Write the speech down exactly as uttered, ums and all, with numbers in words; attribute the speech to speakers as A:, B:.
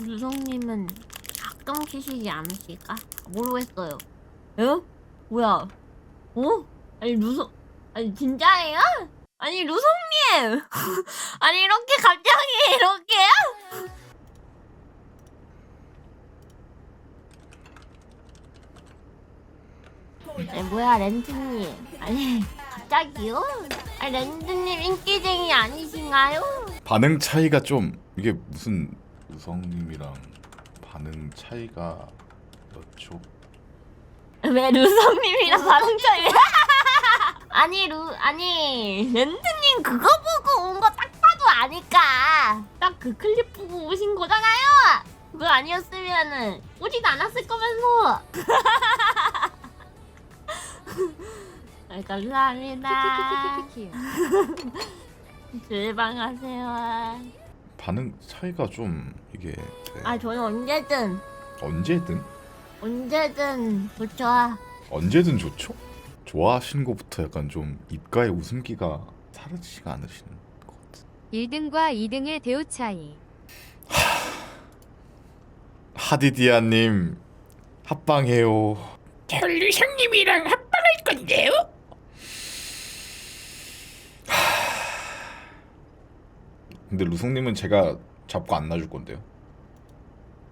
A: 유성님은 가끔 키시지 않으실까? 모르겠어요. 에? 뭐야? 어? 아니 루성 아니 진짜예요? 아니 루성님 아니 이렇게 갑자기 이렇게요? 아니 뭐야 렌트님 아니 갑자기요? 아니 렌트님 인기쟁이 아니신가요?
B: 반응 차이가 좀 이게 무슨 우성님이랑 반응 차이가 몇 초?
A: 왜 루성님이랑 반응 차이? 아니 루 아니 렌트님 그거 보고 온 거 딱 봐도 아니까 딱 그 클립 보고 오신 거잖아요. 그거 아니었으면은 오지도 않았을 거면서. 아, 감사합니다. 즐방하세요.
B: 반응 차이가 좀 이게 네.
A: 아 저는 언제든
B: 언제든
A: 언제든 좋죠.
B: 언제든 좋죠? 좋아하시는 것부터 약간 좀 입가에 웃음기가 사라지지가 않으시는 것 같은.
C: 일 등과 이 등의 대우 차이.
B: 하디디아님 합방해요.
D: 저 루성님이랑 합방할 건데요?
B: 근데 루성님은 제가 잡고 안 놔줄 건데요.